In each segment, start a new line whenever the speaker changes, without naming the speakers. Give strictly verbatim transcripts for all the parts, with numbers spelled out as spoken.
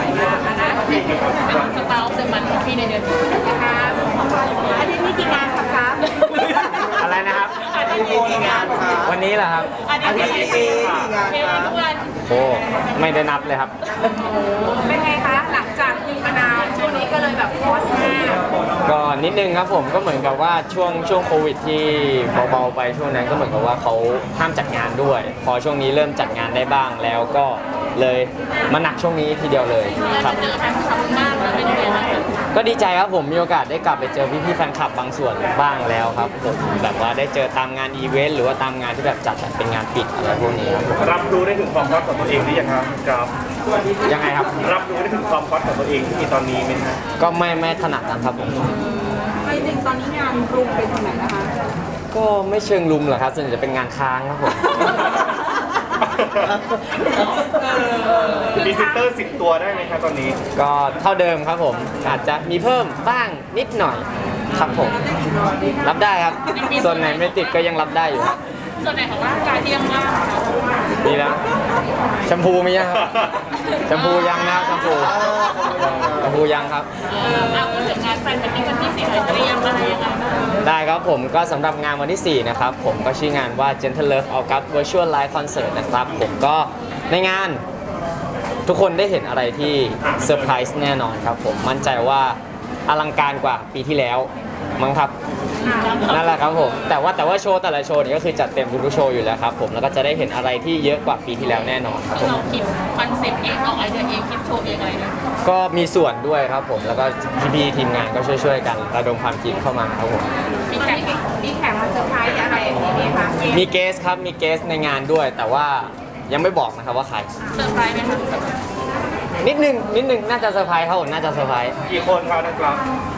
มากนะเป็นสตาร์ทเดอะมันของพี่ในเดือนนี้นะคะอาทิตย์นี้กี่งานครับครับ
อะไรนะครับ
อาทิตย์นี้กี่งานครับ
วันนี้เหรอครับ
อาทิตย์นี้กี่งานเพลงทุกวัน
โอ้ไม่ได้นับเลยครับ
เป็นไงคะหลังจากยิงมานานช่วงนี้ก็เลยแบบฮอตมาก
ก็นิดนึงครับผมก็เหมือนกับว่าช่วงช่วงโควิดที่เบาๆไปช่วงนั้นก็เหมือนกับว่าเขาห้ามจัดงานด้วย พอช่วงนี้เริ่มจัดงานได้บ้างแล้วก็เลยมาหนักช่วงนี้ทีเดียวเลยครับ
เจอแฟนคลับมากเลยเป็นยังไงบ้าง
ก็ดีใจครับผมมีโอกาสได้กลับไปเจอพี่ๆแฟนคลับบางส่วนบ้างแล้วครับผมแบบว่าได้เจอตามงานอีเวนต์หรือว่าตามงานที่แบบจัดแบบเป็นงานปิดอะไรพวกนี้ครับผม
รับรู้ได้ถึงความฮอตของตัวเองหรือยังครับครับ
ยังไงครับ
รับรู้ได้ถึงความฮอตของตัวเองที่มีตอนนี้ไหมครับ
ก็ไม่ไม่ถนัดนะครับผม
ไม่จริงตอนนี้งานกรุงเป็นที่ไหนนะคะ
ก็ไม่เชิงลุมหรอกครับส่วนใหญ่จะเป็นงานค้างครับผม
พรีเซนเตอร์สิบตัวได้ไหมครับตอนนี้
ก็เท่าเดิมครับผมอาจจะมีเพิ่มบ้างนิดหน่อยครับผมรับได้ครับ ส่วนไหนไม่ติดก็ยังรับได้อยู่ครับ
ส่วนไหนของร่างกายที่ยังว่างคะ
ดีแล้วแชมพูมียังครับแชมพูยังนะครับแชมพูแชมพูยังครับ
เออเอาพูดถึงงานแฟนเป็นที่วันที่สี่หน่อยเตรียมอะไรยังไงบ้าง
ได้ครับผมก็สำหรับงานวันที่สี่นะครับผมก็ชื่องานว่า Gentle Love August Virtual Live Concert นะครับผมก็ในงานทุกคนได้เห็นอะไรที่เซอร์ไพรส์แน่นอนครับผมมั่นใจว่าอลังการกว่าปีที่แล้วมั้งครับนั่นแหละครับผมแต่ว่าแต่ว่าโชว์แต่ละโชว์นี่ก็คือจัดเต็มทุกๆโชว์อยู่แล้วครับผมแล้วก็จะได้เห็นอะไรที่เยอะกว่าปีที่แล้วแน่นอนครับผม
เราคิดคอนเซ็ปต์เองออกไอเดียเองคิดโชว์เองอะไรเนี่ย
ก็มีส่วนด้วยครับผมแล้วก็พี่ๆทีมงานก็ช่วยๆกันระดมความคิดเข้ามาครับผม
มีแขกมีแขกมาเซอร์ไพรส์อะไรอย่างนี้ไหมคะ
มีเกสครับมีเกสในงานด้วย แต่ว่ายังไม่บอกนะครับว่าใคร
เซอร์ไพรส์ไหมคะ
นิดนึงนิดนึงน่าจะเซอร์ไพรส์ครับผมน่าจะเซอร์ไพรส์
กี่คนครับนะครับ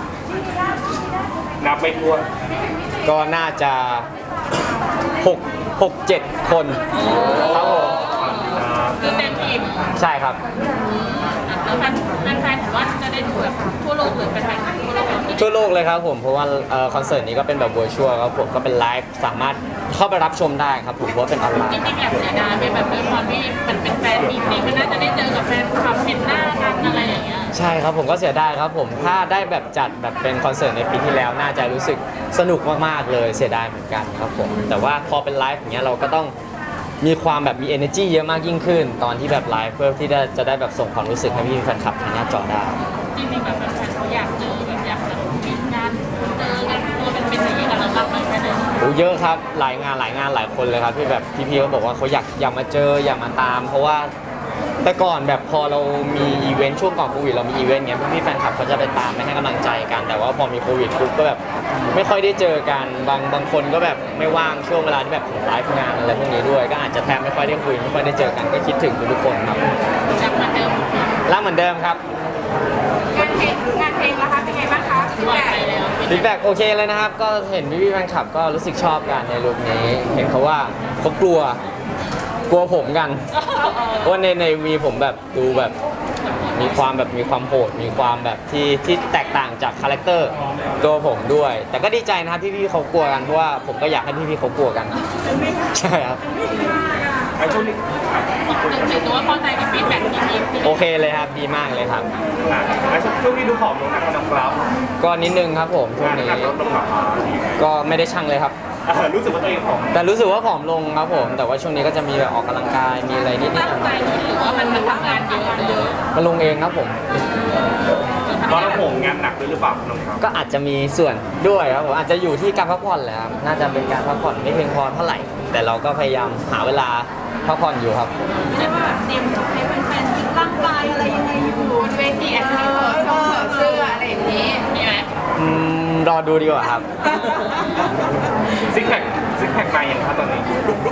นับไม่ถ้วน
ก็น่าจะหกหกเจ็ดคนครับผม
คือเต็มทีม
ใช่ครับ
แล้วแฟนแฟนๆถือว่าจะได้ดูแบบทั่วโลกหรือเป็นแฟนๆทั่วโลกเหรอ
ทั่วโลกเลยครับผมเพราะว่าเอ่อคอนเสิร์ตนี้ก็เป็นแบบ virtual ครับผมก็เป็นไลฟ์สามารถเข้าไปรับชมได้ครับผมเพราะว่าเป็นออนไล
จ
น์
ริงๆแอบเสียดายไหมแบบด้วยความที่มันเป็นแฟนมีตนี้มันน่าจะได้เจอกับแฟนคลับเห็นหน้ากันอะไรอย่างเงี้ย
ใช่ครับผมก็เสียดายครับผมถ้าได้แบบจัดแบบเป็นคอนเสิร์ตในปีที่แล้วน่าจะรู้สึกสนุกมากๆเลยเสียดายเหมือนกันครับผมแต่ว่าพอเป็นไลฟ์อย่างเงี้ยเราก็ต้องมีความแบบมี energy เยอะมากยิ่งขึ้น ตอนที่แบบไลฟ์เพื่อที่จะจะได้แบบส่งความรู้สึกให้พี่แฟนคลับทางหน้าจอได้
จริงๆแบบแฟนๆเขาอยากเจอแบบอยากแบบมีงานเจอกันตัวเป็นๆอย่างนี้กับเราบ้างไหมแค่ไหน
โอ้เยอะครับหลายงานหลายงานหลายคนเลยครับที่แบบพี่ๆเขาบอกว่าเขาอยากอยากมาเจออยากมาตาม เพราะว่าแต่ก่อนแบบพอเรามีอีเวนต์ช่วงก่อนโควิดเรามีอีเวนต์เงี้ยพี่ๆแฟนคลับเขาจะไปตามไปให้กำลังใจกัน แต่ว่าพอมีโควิดปุ๊บก็แบบไม่ค่อยได้เจอกันบางบางคนก็แบบไม่ว่างช่วงเวลาที่แบบผมไลฟ์งานอะไรพวกนี้ด้วย ก็อาจจะแทบไม่ค่อยได้คุยไม่ค่อยได้เจอกันก็คิดถึงทุกๆคนครับ
อยากมาเดิม
รักเหมือนเดิมครับ
งานเพลงงานเพลงนะคะเป็นไงบ้างคะปล่อยไปแล้ว
ฟีดแบ็กโอเคเลยนะครับ ก็เห็นพี่ๆแฟนคลับก็รู้สึกชอบกันในลุคนี้ เห็นเขาว่าเขากลัวกลัวผมกันเพราะว่าในในวีผมแบบดูแบบมีความแบบมีความโหดมีความแบบที่ที่แตกต่างจากคาแรคเตอร์ตัวผมด้วย แต่ก็ดีใจนะครับพี่ๆเขากลัวกันเพราะว่าผมก็อยากให้พี่ๆเขากลัวกันใช่ครับ
ไอ้ช่วงนี้
ถือว่าพอใจกับฟีดแบ็กที่มี
โอเคเลยครับดีมากเลยครับ
อ่ะไอ้ช่วงนี้ดูผอมลงนะครับน้องกราฟ
ก็นิดนึงครับผมช่วงนี้
น้ำหนักลดลงหรอ
ก็ไม่ได้ชั่งเลยครับ
อ่ะรู้สึกว่าตัวเองผอม
แต่รู้สึกว่าผอมลงครับผม แต่ว่าช่วงนี้ก็จะมีแบบออกกำลังกายมีอะไรนิดๆห
ตั้ง
น่
ใจ
อย
หรือว่ามันมันทำงานเยอะเยอะ
ๆมาลงเองครับผม
เพราะเราโหมงานหนักด้วยหรือเปล่าน้องกราฟ
ก็อาจจะมีส่วนด้วยครับผมอาจจะอยู่ที่การพักผ่อนแหละครับน่าจะเป็นการพักผ่อนไม่เพียงพอเท่าไหร่ แต่เราก็พยายามหาเวลาพักผ่อนอยู่ครับ
ไม่ได้ว่าแบบเตรียมให้แฟนๆซิกร่างกายอะไรยังไงอยู่บนเวทีแอดมินเสื้อเสื้ออะไรอย่างนี้มีไหม
อืมรอดูดีกว่าครับ
ซิกแพคซิกแพคมาอย่างครับตอนนี้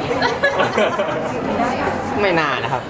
ไม่นานนะครับ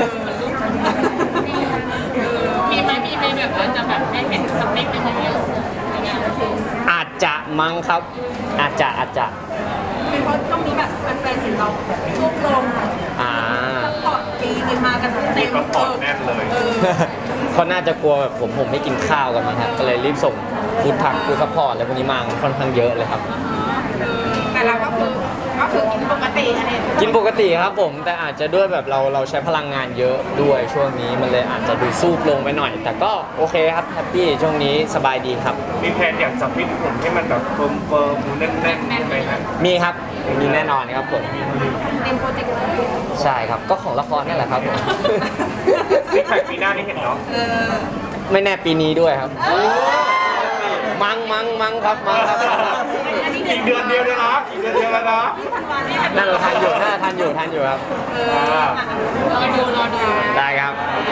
มีไหมมีไหมแบบว่าจะแบบให้เห็นสเปคยังไงในงาน
อาจจะมั้งครับ อาจจะอาจจะ
เป็นเพราะช่วงนี้แบบแฟนๆเห็นเราช่วงลง
อ่า
พอปีเลยมากันเต็ม
ก็ปอดแน่นเลย
เขาน่าจะกลัวแบบผมผมไม่กินข้าวกันมั้งครับก็เลยรีบส่งฟู้ดทักฟู้ดซัพพอร์ตอะไรพวกนี้มาค่อนข้างเยอะเลยครับ
แต่เราก็คือก็คือกินปกติอะไร
กินปกติครับผมแต่อาจจะด้วยแบบเราเราใช้พลังงานเยอะด้วยช่วงนี้มันเลยอาจจะดูซูบลงไปหน่อย แต่ก็โอเคครับแฮปปี้ช่วงนี้สบายดีครับ
มีแพลนอยากจะฟิตหุ่นให้มันแบบเฟิร์มเฟิร์มๆแน่นๆใช่ไหมครับ
มีครับมีแน่นอนครับผม
เต็มโปรเจกต์เลย
ใช่ครับก็ของละครนี่แหละครับผม
ซิกแพคปีหน้านี่เห็นเนาะ
เออ
ไม่แน่ปีนี้ด้วยครับ มังมังมังครับมังครับ
อันนี้
อีกเดือนเดียวเลยนะอีกเดือนเดียวแล้วนะ
ธันวาเนี่ย
นั่นเราทานอยู่น่าจะทานอยู่ทานอยู่ครับ
เออรอดูรอดู
ได้ครับ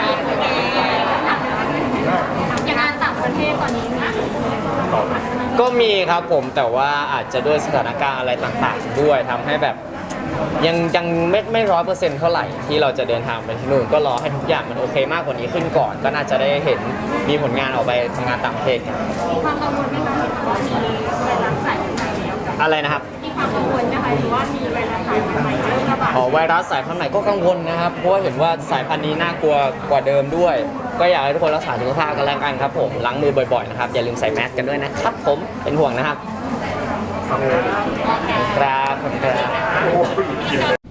อย่างงานต่างประเทศตอนนี้นะ
ก็มีครับผมแต่ว่าอาจจะด้วยสถานการณ์อะไรต่างๆ ด้วยทำให้แบบยังยังไม่ไม่ร้อยเปอร์เซ็นต์เท่าไหร่ที่เราจะเดินทางไปที่นู่นก็รอให้ทุกอย่างมันโอเคมากกว่านี้ขึ้นก่อน ก็น่าจะได้เห็นมีผลงานออกไปทำงานต่างประเทศกัน
มีความกังวลไหมคะว่ามีไวรัสสายพันธุ์ใหม่แล้ว
อะไรนะครับ
มีความกังวลนะคะหรือว่ามีไวรัสสายพันธุ์ใหม่เริ่มระบาด
อ๋อไวรัสสายพันธุ์ใหม่ก็กังวลนะครับเพราะว่าเห็นว่าสายพันธุ์นี้น่ากลัวกว่าเดิมด้วย ก็อยากให้ทุกคนรักษาสุขภาพกันแล้วกันครับผมล้างมือบ่อยๆนะครับอย่าลืมใส่แมสกันด้วยนะครับผมเป็นห่วงนะครับครับขอบคุณครับ